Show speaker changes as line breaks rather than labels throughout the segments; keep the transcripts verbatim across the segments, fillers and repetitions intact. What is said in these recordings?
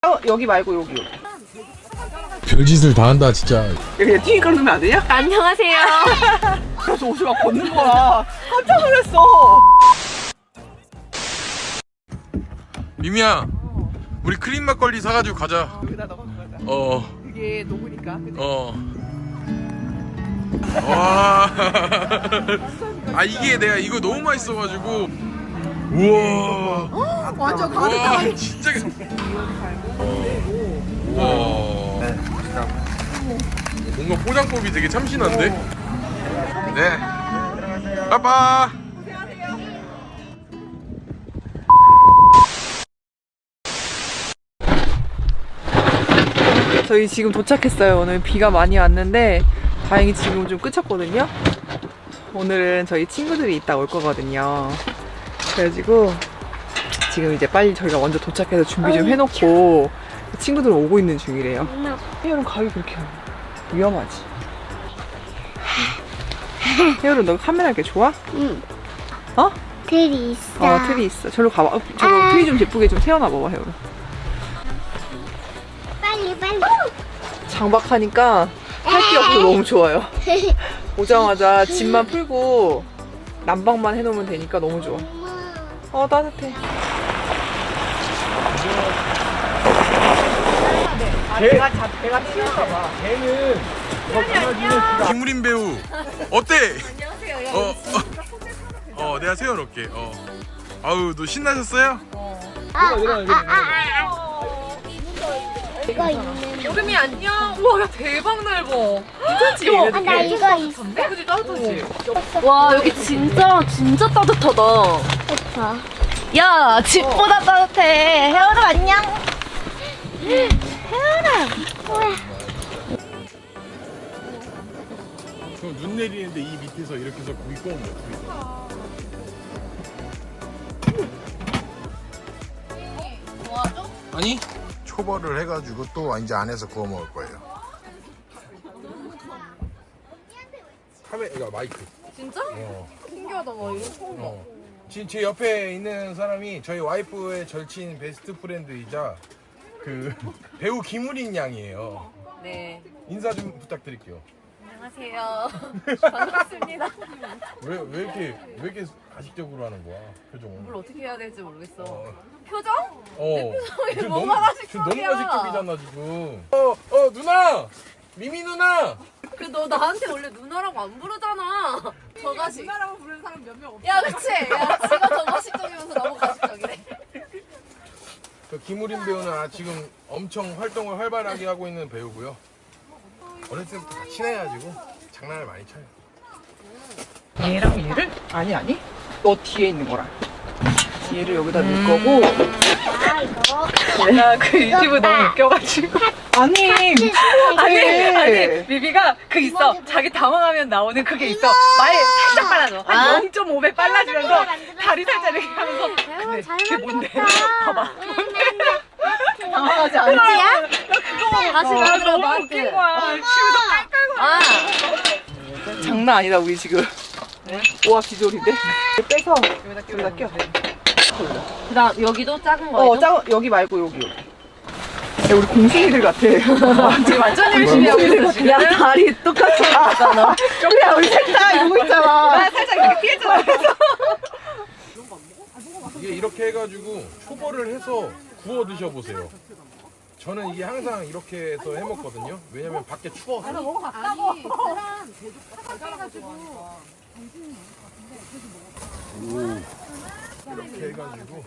어, 여기 말고 여기 여기.
별짓을 다 한다 진짜.
그냥 튀기 끊으면 안 되냐?
안녕하세요.
그래서 옷이 막 걷는 거야. 깜짝 놀랐어.
미미야, 우리 크림 막걸리 사가지고 가자.
여기다 넣어 가자.
어.
이게 녹으니까. 그치?
어. 와. 아 이게 내가 이거 너무 맛있어가지고. 우와.
완전
와
가득하게.
진짜. 어. 뭔가 포장법이 되게 참신한데. 네. 빠빠.
저희 지금 도착했어요. 오늘 비가 많이 왔는데 다행히 지금 좀 그쳤거든요. 오늘은 저희 친구들이 이따 올 거거든요. 그래가지고 지금 이제 빨리 저희가 먼저 도착해서 준비 좀 해놓고 친구들 오고 있는 중이래요. 혜열은 가기 그렇게 위험하지? 혜열은 너 카메라 이렇게 좋아?
응.
어?
틀이 있어.
어 틀이 있어. 저로 가봐. 어, 저거 틀이 좀 예쁘게 좀 세워놔봐봐 혜열은.
빨리 빨리.
장박하니까 할 게 없어. 너무 좋아요. 오자마자 짐만 풀고 난방만 해놓으면 되니까 너무 좋아. 어 따뜻해. 아, 내가 자, 내가 튀울까봐.
걔는 김우린 배우 어때?
안녕하세요.
어, 어, 어, 내가 세워놓을게. 어. 아우, 너 신나셨어요?
아, 이거 있는.
여름이 안녕. 우와 야 대박 넓어. 괜찮지?
아, 나 이거 있어.
그지 따뜻하지?
와 여기 진짜 진짜 따뜻하다.
그쵸.
야 집보다 따뜻해. 혜원아 안녕.
혜연아. 우와.
그럼 눈 내리는데 이 밑에서 이렇게 해서 고기 구우면 어떻게 돼? 아니? 초벌을 해가지고 또 이제 안에서 구워 먹을 거예요. 카메라 마이크.
진짜?
어.
신기하다. 와 이거 처음 봐.
어. 지금 제 옆에 있는 사람이 저희 와이프의 절친 베스트 프렌드이자 그 배우 김우린 양이에요.
네.
인사 좀 부탁드릴게요.
안녕하세요. 반갑습니다.
왜, 왜 이렇게 왜 이렇게 가식적으로 하는 거야 표정은?
뭘 어떻게 해야 될지 모르겠어.
어.
표정?
어. 지금
뭐가
너무
가식적이야?
지금 너무 가식적이잖아 지금. 어, 어 누나, 미미 누나.
그 너 나한테 원래 누나라고 안 부르잖아. 저가식.
누나라고 부르는 사람 몇 명 없어.
야 그치? 야 지가 저가식적이면서 너무 가식적이래.
그 김우린 배우는 아, 지금 엄청 활동을 활발하게 하고 있는 배우고요. 어렸을 때부터 다 친해가지고 장난을 많이 쳐요.
얘랑 얘를? 아니 아니. 너 뒤에 있는 거랑. 얘를 여기다 넣을 거고.
아, 이거.
내가 그 유튜브 너무 웃겨가지고. 아니
아니, 아니, 비비가 그 있어. 자기 당황하면 나오는 그게 있어. 말 살짝 빨라져. 한 영 점 오 배 빨라지면서 다리 살짝 이렇게 하면서. 근데
잘
그게 뭔데?
만들었다.
봐봐.
당황하지 않지?
어디야?
다시
아,
만들어
너무 웃긴 거야. 치우다 깔깔거려.
아
장난 아니다 우리 지금. 오와 비졸인데. 빼서 여기다 껴.
그다음 여기도 작은 거.
어, 짜 여기 말고 여기 여기. 야, 우리 공신이들 같아.
지금 완전 열심히 하고 있어, 지금.
야, 다리 똑같아. 야, 우리 셋다 이러고 있잖아.
나 살짝 이렇게 피했잖아.
이게 이렇게 해가지고 초벌을 해서 구워 드셔보세요. 저는 이게 항상 이렇게 해서 해 먹거든요. 왜냐면 밖에 추워서. 오. 이렇게 해가지고.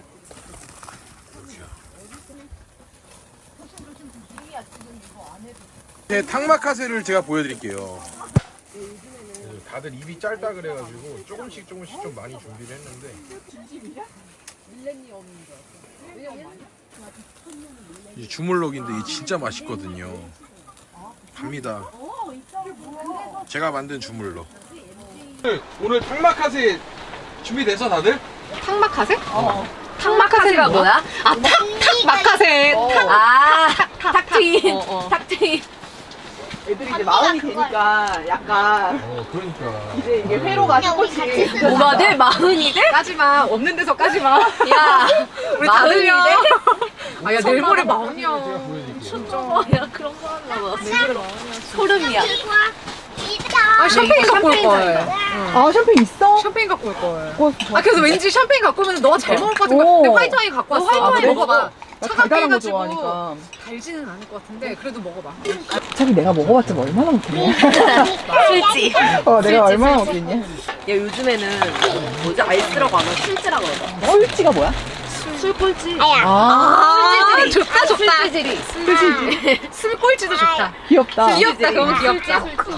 네, 탕마카세를 제가 보여드릴게요. 다들 입이 짧다 그래가지고 조금씩 조금씩 좀 많이 준비를 했는데. 이 주물럭인데 이 진짜 맛있거든요. 갑니다. 제가 만든 주물럭. 오늘 탕마카세 준비돼서 다들?
탕마카세? 어. 탕마카세가 뭐야? 아 탁! 탁마카세!
어.
탁! 아 탁! 탁 트임!
어, 어.
탁 트임!
애들이 이제 마흔이 되니까 약간
어 그러니까.
이제 이게 회로가 조금씩
뭐가 돼? 마흔이 돼? 까지마. 없는 데서 까지마. 야, 우리 마흔이 돼? 아, 야, 내일 모레 마흔이야. 야, 그런 거 하려고. 소름이야. 아, 샴페인 갖고 올 걸.
아 샴페인 있어?
샴페인 갖고 올 걸. 아, 그래서 왠지 샴페인 갖고 오면 너가 잘 먹을 것 같은 거야.
오.
근데 화이트 와인 갖고 왔어.
화이트 와인
그래?
먹어봐.
먹어봐.
나
차갑게
달달한 거
해가지고.
좋아하니까.
달지는 않을 것 같은데, 그래도 먹어봐.
어차피 내가 먹어봤자 뭐 얼마나 먹겠냐.
술지.
어 내가 얼마나 먹겠냐.
야 요즘에는 뭐지 알쓰라고 안 하고 술지라고 그러더라.
꼴찌가 뭐야?
술꼴찌.
아,
술지들이.
좋다, 좋다.
술지들이.
그치?
술꼴찌도 좋다.
귀엽다.
귀엽다, 그건 귀엽다.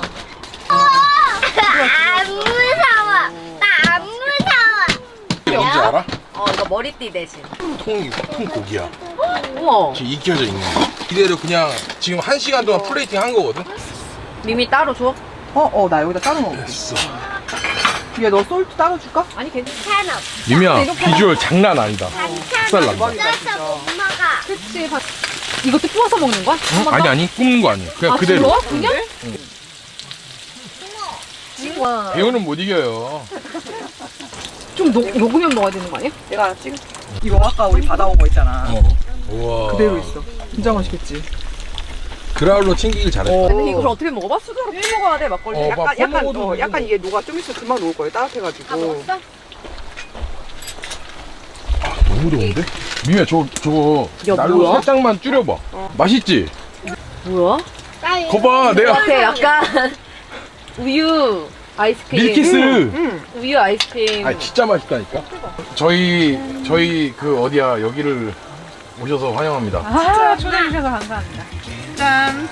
안 무서워. 나 안 무서워.
뭔지 알아?
어 이거 머리띠 대신.
통이 통 고기야.
우와.
지금 익혀져 있는 거. 이대로 그냥 지금 한 시간 동안 플레이팅 한 거거든.
미미 따로 줘?
어, 어, 나 여기다 따로 먹어.
됐어.
야, 너 솔트 따로 줄까?
아니, 괜찮아.
괜찮아.
미미야 비주얼 장난 아니다. 쌀 난다.
쪄서 못 먹어.
그치. 봐. 이것도 부어서 먹는 거야?
응? 아니 아니 굽는 거 아니야. 그냥
아,
그대로.
그거? 그냥?
와.
배우는 못 이겨요.
좀 녹, 녹으면 먹어야 되는 거 아니야?
내가 찍 이거 아까 우리 받아온 거 있잖아.
어. 우와.
그대로 있어. 진짜 맛있겠지?
그라울로 챙기길 잘했다.
어.
근데 이걸 어떻게 먹어봐? 수저로 푸 먹어야 돼, 막걸리.
어,
약간,
막
약간,
퍼먹어도
어,
되고.
약간 이게 녹아, 좀 있으면 금방 녹을 거예요. 따뜻해가지고.
다 먹었어?
너무 좋은데? 미미야 저 저거
야,
날로
뭐야?
살짝만 줄여봐. 맛있지?
뭐야?
거봐 내가
같아 약간 우유 아이스크림.
밀키스.
응.
우유 아이스크림.
아 진짜 맛있다니까. 저희 저희 그 어디야 여기를 오셔서 환영합니다.
아, 초대해주셔서 감사합니다. 짠.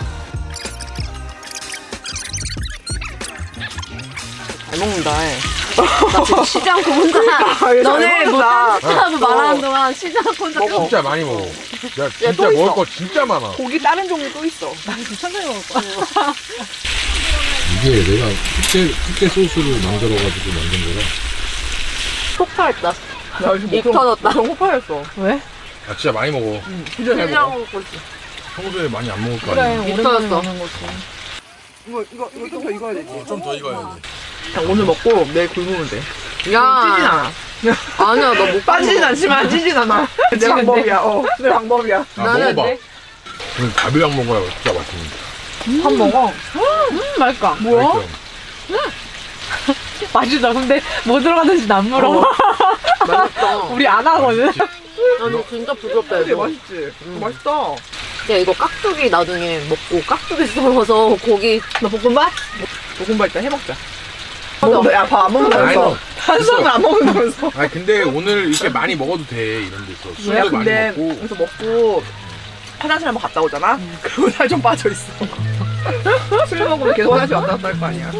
잘 먹는다.
나 지금 쉬지 않고 혼자
잘
너네
먹는다.
못하고 말하는 동안 쉬지 않고 혼자
먹어.
진짜 많이 먹어. 야 진짜
또
먹을
있어.
거 진짜 많아.
고기 다른 종류 또 있어.
천천히 먹을 거야.
이게 내가 특제 특제 소스를 만들어가지고 만든 거라.
폭발했다.
나 요즘
입 터졌다.
너무 호파였어.
왜?
아 진짜 많이 먹어.
응, 진짜 잘
쉬지
먹어.
않고 먹고 있어.
평소에 많이 안 먹을 거
그래,
아니야.
오랜만에
터졌어.
먹는 거지.
이거, 이거, 이거 좀 더 익어야 되지.
좀 더 익어야지.
그냥 오늘 먹고 내일 굶으면 돼. 찌진
야
않아.
아니야 너 못
빠지진 않지만 찌진 않아. 내 방법이야. 어, 내 방법이야.
아
나는
먹어봐.
돼.
그럼 가비랑 먹어야 진짜 맛있는데.
밥 먹어.
음, 맛있다.
뭐야?
맛있어요.
맛있다. 근데 뭐 들어가는지 안 물어.
맛있다.
우리 안 하거든.
아니 진짜 부드럽다
근데
이거.
맛있지?
음.
맛있다.
야 이거 깍두기 나중에 먹고 깍두기 썰어서 고기
너 볶음밥? 볶음밥 일단 해먹자. 먹어. 야, 밥 안 먹는다면서.
아니,
탄수화물 안 먹는다면서.
아니 근데 오늘 이렇게 많이 먹어도 돼 이런 데서
야,
술도
근데
많이 먹고.
여기서 먹고 화장실 한번 갔다 오잖아? 그리고 살 좀 빠져있어. 술 먹으면 계속 화장실 왔다 갔다 할 거 아니야.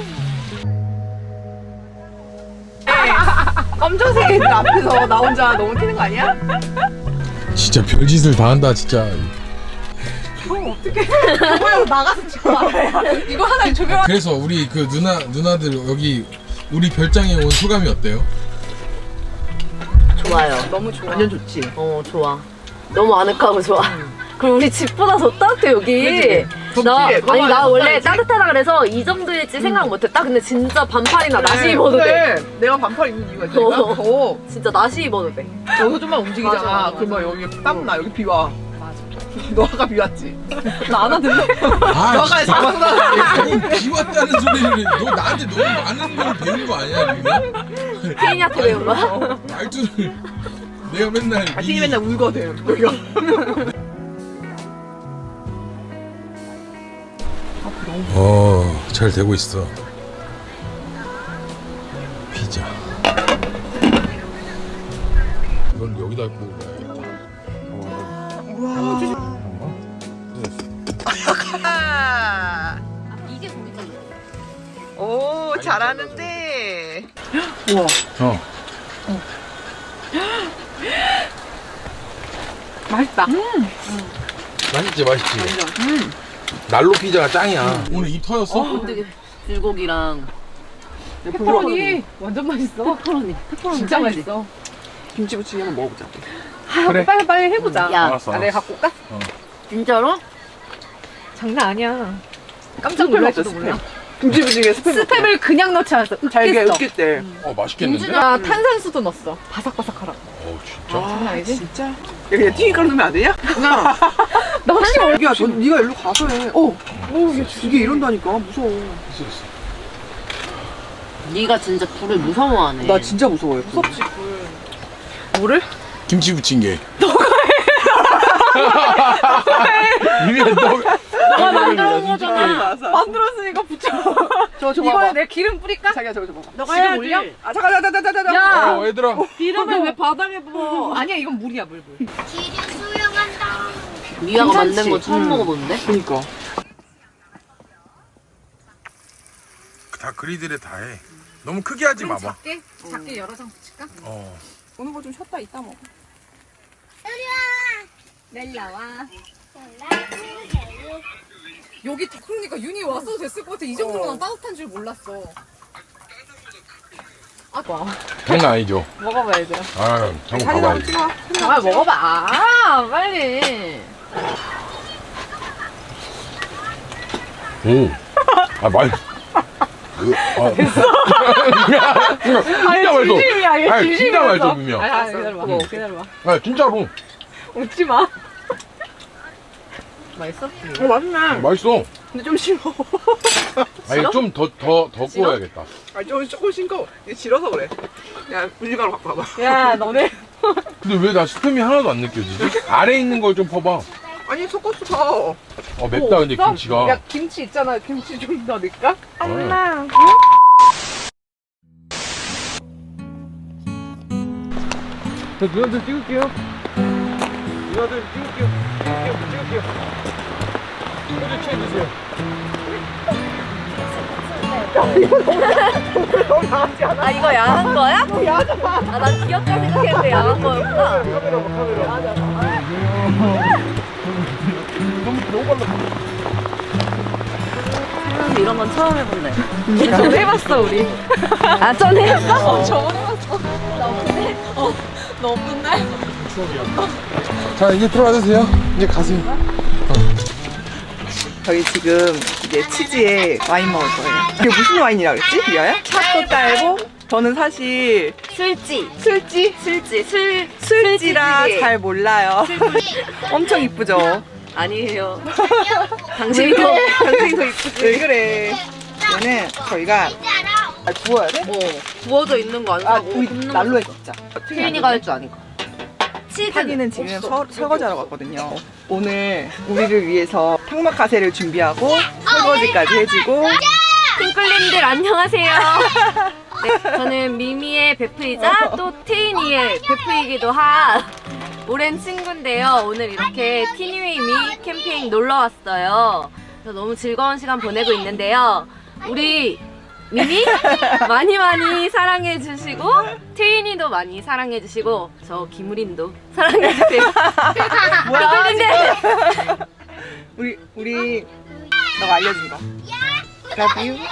검정색 애들 앞에서 나 혼자 너무 튀는 거 아니야?
진짜 별짓을 다 한다 진짜.
뭐야, 나가서 찍고 말아야. 이거 하나 조명.
그래서 우리 그 누나 누나들 여기 우리 별장에 온 소감이 어때요?
좋아요.
너무 좋아. 완전 좋지.
어 좋아. 너무 아늑하고 좋아. 그리고 우리 집보다 더 따뜻해 여기.
덥지?
나
너무
아니 나
안
원래
덥지?
따뜻하다 그래서 이 정도일지 생각 못했다. 근데 진짜 반팔이나 나시 입어도 돼.
그래. 내가 반팔 입는 이유가 있으니까
어.
더
진짜 나시 입어도 돼.
여기서 좀만 움직이잖아.
맞아, 맞아, 맞아.
그러면 여기 땀나. 여기 비 와. 너 아까 비 왔지?
나 안 하던데.
아,
너 아까 잡았어.
아니 비 왔다는 소리를 너 나한테 너무 많은 걸 배운 거 아니야 지금?
케이니한테 배운 거야?
말투를 내가 맨날
아, 팀이 맨날 울거든. 여기가.
어, 잘 되고 있어. 피자. 이걸 여기다 먹어야겠다.
아.
이게 고기잖아.
오, 잘하는데. 우와.
어.
맛있다.
맛있지, 맛있지. 난로 피자가 짱이야. 오늘 입 터졌어?
어떻게 불고기랑
페퍼로니 완전 맛있어.
페퍼로니.
진짜 맛있어.
김치부침개 한번 먹어보자.
그래.
빨리 빨리 해보자.
야
알았어.
아, 내가 갖고 올까?
진짜로?
장난 아니야. 깜짝 놀랄지도 몰라.
김치부침개 스팸.
스팸을 그냥 넣지 않았어.
잘게
으깼어.
으깼대.
어 맛있겠는데?
김준아 탄산수도 넣었어. 바삭바삭하라고.
어 진짜?
장난 아니지?
진짜? 야 그냥 튀김가루 넣으면 안 되냐?
나 혹시 모르
야, 너 네가 일로 가서 해. 어, 어, 이게 이게 이런다니까 무서워.
있어 있어.
네가 진짜 불을 무서워하네.
나 진짜 무서워요. 무섭지. 뭐를?
김치 부침개. 너가 해. 이미 너. 너가 만들어
거잖아. 만들었으니까 붙여.
저 저
이거에
봐봐.
내 기름 뿌릴까?
자기야 저거 좀 봐봐.
너가 해야지. 올려?
아 잠깐 잠깐 잠깐 잠깐.
야.
어 얘들아.
기름을 왜 바닥에 부어? 아니야 이건 물이야 물 물.
길이 수영한다.
미아가
괜찮지?
만든 거 처음
음.
먹어보는데?
그니까.
다 그리들에 다 해. 너무 크게 하지 마봐.
작게 작게 여러 장 붙일까?
어.
오는 거 좀 쉬었다 이따 먹어.
넬라와. 여기 다 그러니까 윤이 왔어도 됐을 것 같아. 이 정도면 난 따뜻한 줄 몰랐어. 아, 와.
장난 아니죠?
먹어봐 얘들아.
아 한번
사진 한번
가봐야지.
찍어.
아 먹어봐. 아 빨리.
오. 아 맛. 아, 됐어. 진짜 맛있어.
진심이야, 얘
아니, 진짜
진심이었어.
맛있어 분명.
아, 아 기다려봐.
먹어.
기다려봐.
아 진짜로.
웃지 마. 맛있어?
어 맛있네.
맛있어.
근데 좀 싫어.
아니 좀 더 더 더 구워야겠다.
아니 좀 조금 싱거워. 이게 질어서 그래. 야 분리가루 갖고 와봐.
야 너네.
근데 왜 나 스팸이 하나도 안 느껴지지? 아래 있는 걸 좀 퍼봐.
아니 섞었어 다.
어 맵다 근데
없어?
김치가.
야 김치 있잖아. 김치 좀 더 넣을까?
엄마.
저 누나들 찍을게요. 누나들 찍을게요. 찍을게요. 찍을게요. 포즈 취해주세요.
아 이거 야한 거야? 아 난 귀엽다 생각했는데 야한 거였구나.
카메라 봐 카메라. 너무 너무 빨라.
이런 건 처음 해본다.
전 해봤어 우리.
아 전에 했어?
어 저번에 해봤어. 나 없는데? 어. 너 없는 날?
자 이제 들어가주세요. 이제 가세요.
저희 지금 이제 치즈에 와인 먹을 거예요. 이게 무슨 와인이라 그랬지? 리아야? 샷도 딸고 저는 사실
술지.
술지?
술지. 술
술지라
술지지.
잘 몰라요. 엄청 이쁘죠?
아니에요. 당신이 더.
당신이 더 이쁘지? 왜 그래? 얘는 저희가 아, 구워야 돼?
어 구워져 있는 거
아,
아니고
우리
굽는
난로에
거.
굽자.
태인이가 할 줄 아니까. 치즈.
타기는 지금
없어.
서, 설거지하러 갔거든요. 오늘 우리를 위해서 탕막카세를 준비하고 설거지까지 해주고
핑클님들 안녕하세요. 네, 저는 미미의 베프이자 또 테이니의 베프이기도 한 오랜 친구인데요. 오늘 이렇게 티니웨이미 캠핑 놀러 왔어요. 그래서 너무 즐거운 시간 보내고 있는데요. 우리 미미 많이 많이 사랑해 주시고 테이니도 많이 사랑해 주시고 저 김우림도 사랑해 주세요. 핑클님들
우리 우리 너가 알려준 거. Love you.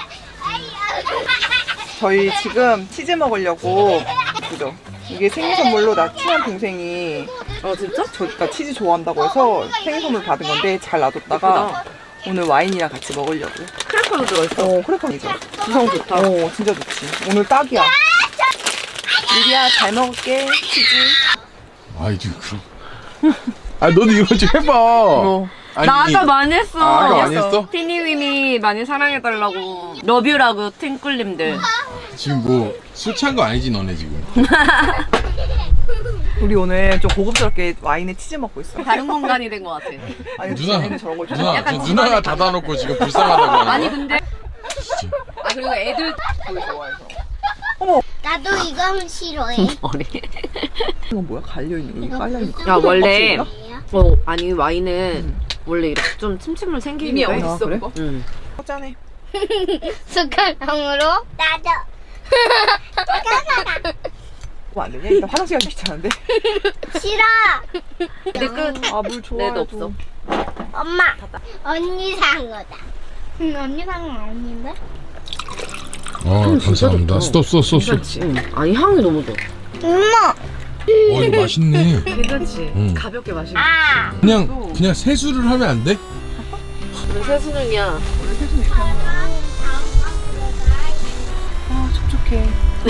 저희 지금 치즈 먹으려고 그죠? 이게 생일 선물로 나 친한 동생이
어 진짜?
저가 치즈 좋아한다고 해서 생일 선물 받은 건데 잘 놔뒀다가 오늘 와인이랑 같이 먹으려고.
크래커도 들어있어.
어 크래커이죠. 구성 좋다. 어 진짜 좋지. 오늘 딱이야. 유리야 잘 먹을게 치즈.
아이 지금 그럼. 아 너도 이거 좀 해봐.
어.
아니,
나 아까 많이 했어.
아, 아까 많이 했어?
티니위미 많이 사랑해달라고. 러뷰라고 팅꿀님들.
지금 뭐 술 취한 거 아니지 너네 지금?
우리 오늘 좀 고급스럽게 와인에 치즈 먹고 있어.
다른 공간이 된 것 같아.
아니
누나,
쟤네는 저런 걸
누나,
좋아해.
저 누나가 닫아놓고 지금 불쌍하다고 하는
아니
거야?
근데 아 그리고 애들
그걸 좋아해서.
나도 이거 싫어해.
어리.
이건 뭐야? 갈려 있는 거. 이게 깔려 있는 거.
야 원래
껍질이야?
어 아니 와인은 원래 이렇게 좀 침침물 생기는
이미
거야.
어딨어
그래?
그거?
응.
짠해.
숟가락으로 나도.
뭐 안 되냐? 일단 화장실 가기 귀찮은데.
싫어.
근데 끝.
아물 좋아해.
내도 없어.
엄마. 언니 산 거다. 응, 언니 산 건 아닌데?
어 감사합니다. 스톱 스톱 스톱 스톱.
괜찮지? 응. 아니 향이 너무 좋아.
엄마.
어 이거 맛있네.
괜찮지?
응.
가볍게 마시고.
아.
그냥 그냥 세수를 하면 안 돼?
오늘 세수는이야.
원래 세수는 아 촉촉해.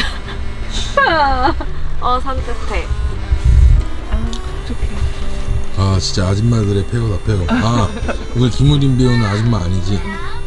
어 산뜻해.
아 촉촉해.
아 진짜 아줌마들의 폐허다 폐허. 아 이걸 김우림 배우는 아줌마 아니지?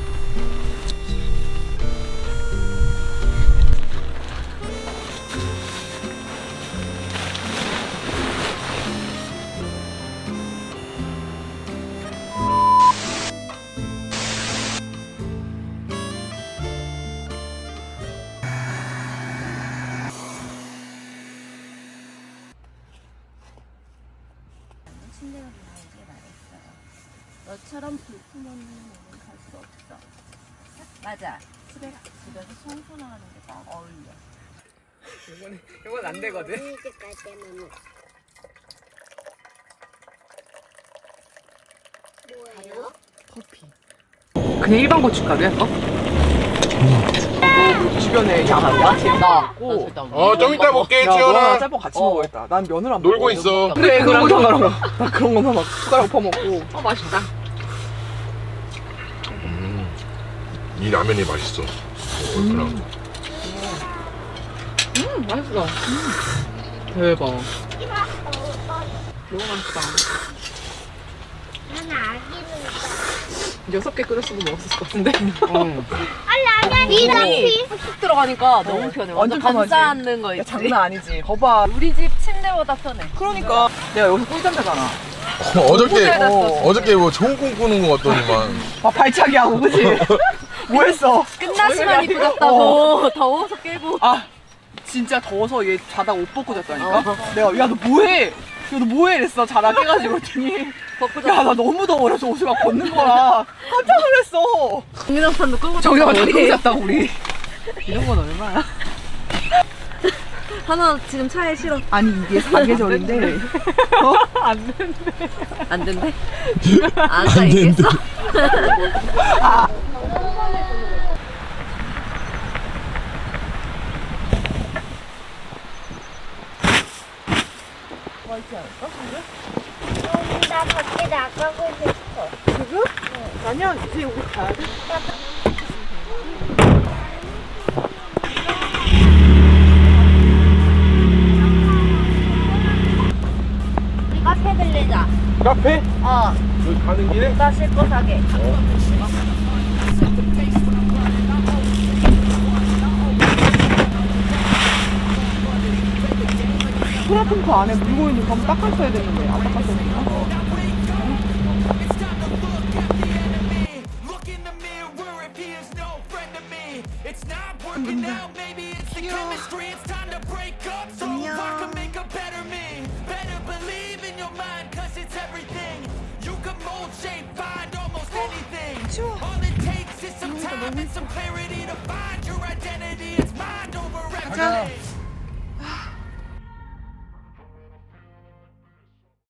너처럼 불품없는 몸은 갈 수 없어. 맞아. 집에 집에서 청소 나가는 게 딱 어울려.
이건 이건 안 되거든.
뭐예요?
커피. 그냥 일반 고춧가루 할까? 주변에 양 야채 넣고.
어 좀 이따 볼게
야, 너랑
지원아.
짬뽕 같이 먹어야겠다. 난 면을 안
놀고
먹어.
있어.
그래 그런 거 그런 거. 나 그런 거만 막 숟가락 퍼먹고.
어 맛있다.
이 라면이 맛있어. 얼큰하고.
음 맛있어. 대박. 너무 맛있다.
나는 아기는
여섯 개 끓였어도 먹었을 것 같은데.
아 라면 이렇게
푹 들어가니까 너무 편해. 완전
완전 편하지.
감싸는 거
야,
있지.
장난 아니지. 거봐.
우리 집 침대보다 편해.
그러니까 내가 여기서 꿀잠 자잖아.
어, 어저께
어.
어저께 뭐 좋은 꿈 꾸는 거 같더니만.
막 발차기 하고 그지? 뭐 했어?
끝나시만 이쁘졌다고 더워서 깨고.
아 진짜 더워서 얘 자다가 옷 벗고 잤다니까?
어.
내가 야 너 뭐해? 야 너 뭐해? 이랬어. 자다 깨가지고 그랬더니
벗고
야 나 너무 더워. 그래서 옷을 막 벗는 거야. 깜짝 놀랐어.
정민호판도 끄고
정답을
잤다,
다
우리.
끄고 잤다고 우리. 이런 건 얼마야?
하나 지금 차에 실어.
아니 이게 사계절인데 어? 안 된대.
안 된대? 아까 얘기했어?
나 밖에 나가고 싶어.
지금? 아니야 이제 우리 가야 돼.
우리 카페 들리자.
카페?
어,
여기 가는 길에?
나 씻고 사게.
소라통크 안에 물고 있는 거 한번 닦았어야 됐는데 안 닦았어야 됐나?
Look in the mirror if he is no friend to me. It's not working out, maybe it's the chemistry. It's time to break up so I can make a better me. Better believe in your mind, cause it's everything. You can mold, shape, find almost anything. All it takes is some time and some clarity to find your identity. It's mind over everything.